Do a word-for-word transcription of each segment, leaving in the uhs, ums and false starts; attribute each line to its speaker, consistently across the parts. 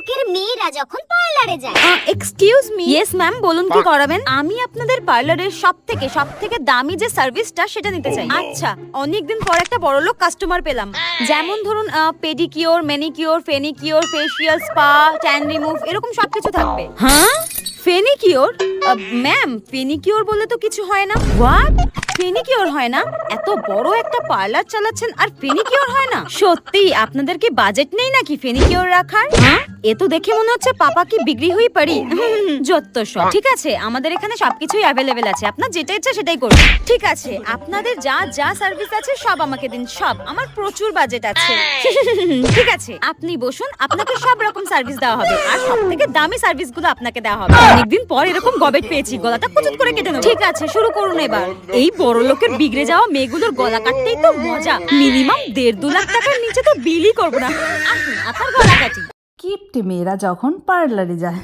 Speaker 1: লোকের মেয়েরা যখন পার্লারে যায়।
Speaker 2: Excuse me. ইয়েস ম্যাম, বলুন কি করাবেন? আমি আপনাদের পার্লারের সব থেকে সব থেকে দামি যে সার্ভিসটা সেটা নিতে চাই। আচ্ছা, অনেকদিন পর একটা বড়লোক কাস্টমার পেলাম। যেমন ধরুন পেডিকিওর, ম্যানিকিওর, ফেনিকিওর, ফেশিয়াল, স্পা, ট্যান রিমুভ, এরকম সবকিছু থাকবে। হ্যাঁ, ফেনিকিওর? ম্যাম, ফেনিকিওর বলে তো কিছু হয় না। হোয়াট? ফেনিকিওর হয় না? এত বড় একটা পার্লার চালাচ্ছেন আর ফেনিকিওর হয় না? সত্যি আপনাদের কি বাজেট নেই নাকি ফেনিকিওর রাখার? হ্যাঁ, এ তো দেখে মনে হচ্ছে পাপা কি বিক্রি হয়ে পারি। যত সব। ঠিক আছে, আমাদের এখানে সবকিছুই অ্যাভেলেবেল আছে, আপনার যেটা ইচ্ছা সেটাই করুন। ঠিক আছে, আপনাদের যা যা সার্ভিস আছে সব আমাকে দিন, সব। আমার প্রচুর বাজেট আছে। ঠিক আছে, আপনি বসুন, আপনাকে সব রকম সার্ভিস দেওয়া হবে আর সব থেকে দামি সার্ভিস গুলো আপনাকে দেওয়া হবে। অনেকদিন পর এরকম গবেট পেয়েছি, গলাটা কুচুত করে কেটে নেব। ঠিক আছে, শুরু করুন এবার। এই বড় লোকের বিগড়ে যাওয়া মেয়েগুলোর গলা কাটতেই তো মজা। মিনিমাম দেড় দু লাখ টাকার নিচে তো বিলই করবো না। আসুন, আপনার গলা কাটি।
Speaker 3: কিপটে মেয়েরা যখন পার্লারে যায়।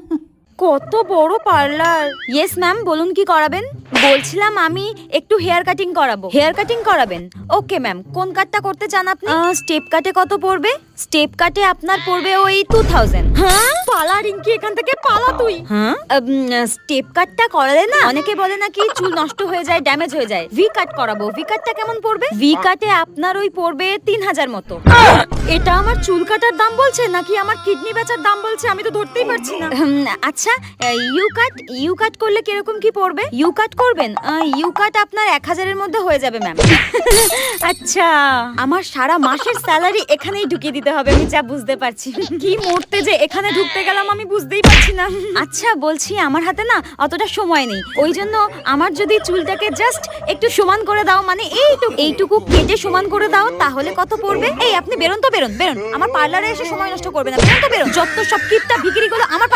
Speaker 2: কত বড় পার্লার। ইয়েস ম্যাম, বলুন কি করাবেন? বলছিলাম আমি একটু হেয়ার কাটিং করাবো। হেয়ার কাটিং করাবেন? ওকে ম্যাম, কোন কাটটা করতে চান আপনি? স্টেপ কাটে কত পড়বে? স্টেপ কাটে আপনার পড়বে ওই টু থাউজেন্ড। হ্যাঁ, পালা রিঙ্কি, এখান থেকে পালা তুই। হ্যাঁ, স্টেপ কাটটা করালে না অনেকে বলে নাকি চুল নষ্ট হয়ে যায়, ড্যামেজ হয়ে যায়। ভি কাট করাবো। ভি কাটটা কেমন পড়বে? ভি কাটে আপনার ওই পড়বে তিন হাজার মতো। এটা আমার চুল কাটার দাম বলছে নাকি আমার কিডনি বেচার দাম বলছে? আমি তো ধরতেই পারছি না। আচ্ছা, ইউ কাট ইউ কাট করলে কিরকম কি পড়বে? ইউ কাট করবেন? ইউ কাট আপনার এক হাজারের মধ্যে হয়ে যাবে ম্যাম। আচ্ছা, আমার সারা মাসের স্যালারি এখানেই ঢুকিয়ে দিতে হবে, আমি যা বুঝতে পারছি। কি মরতে যে এখানে ঢুকতে গেলাম আমি বুঝতেই পারছি না। আচ্ছা, বলছি আমার হাতে না অতটা সময় নেই, ওই জন্য আমার যদি চুলটাকে জাস্ট একটু সমান করে দাও, মানে এইটুকু এইটুকু কেটে সমান করে দাও, তাহলে কত পড়বে? এই আপনি বেরোন তো, বেরোন বেরোন, আমার পার্লারে এসে সময় নষ্ট করবে না। বেরোন তো, বেরোন। যত সব কিপটা ভিখিরিগুলো আমার